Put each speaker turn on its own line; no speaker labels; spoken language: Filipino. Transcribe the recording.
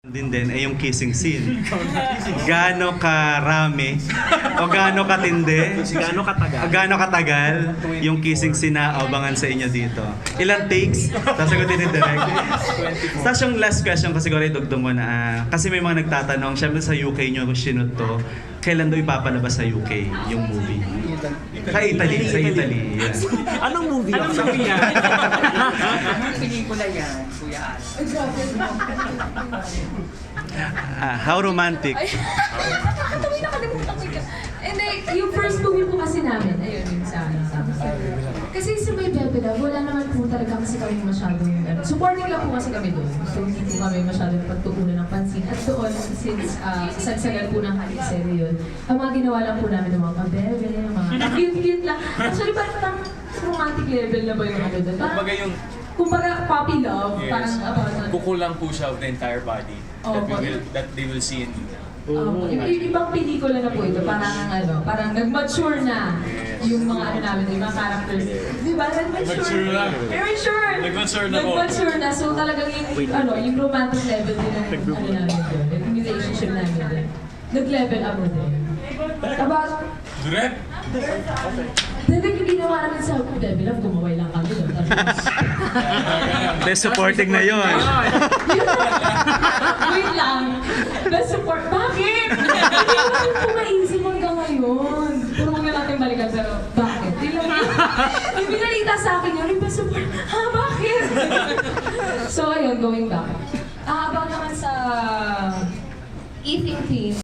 Din ay yung kissing scene. Gaano karami o gaano katindi, gaano katagal yung kissing scene na abangan sa inyo dito. Ilang takes? Sasagutin ni Direk. Tapos yung last question ko siguro idugtong ko na kasi may mga nagtatanong, syempre sa UK nyo sinut to, kailan daw ipapalabas sa UK yung movie? Sa Italy. Yeah.
Anong movie yan?
Anong movie yan?
Pelikula yan, Kuya Al.
How romantic.
Ay, tawin nakalimutan ko yun. Hindi, yung first movie po kasi namin, ayun yung sa kasi sa May Bebe Love, wala naman po talaga kasi kami masyadong, supporting lang po kasi kami doon. So hindi po kami masyadong pagtuunan ng pansin. At doon, since sagsagan po ng halik-seri yun, ang mga ginawa lang po namin ng mga kabebe, mga cute-cute lang. Actually, parang romantic level na ba yung ano doon?
Kumbaga yung
Kumbaga, puppy love, parang about
kukulang po siya of the entire body that they will see in
ibang pelikula na po ito, parang nag-mature na yung mga ano namin, yung mga characters. Di ba? Nag-mature na. Very sure.
Nag-mature na po.
Nag-mature na. So talagang yung romantic level din ng ano namin doon, yung relationship namin doon. Nag-level up na din. About...
Direk!
Dati yung ginawa namin sa level up, gumaway lang kami doon.
Best supporting na yun.
Wait lang. Best support. Bakit? Hindi ko rin po maisip hanggang ngayon. Puro huwag na natin balikan, pero bakit? Yung binalita sa akin yun, yung best support. Ha, bakit? So, ayun, going back. About naman sa eating team.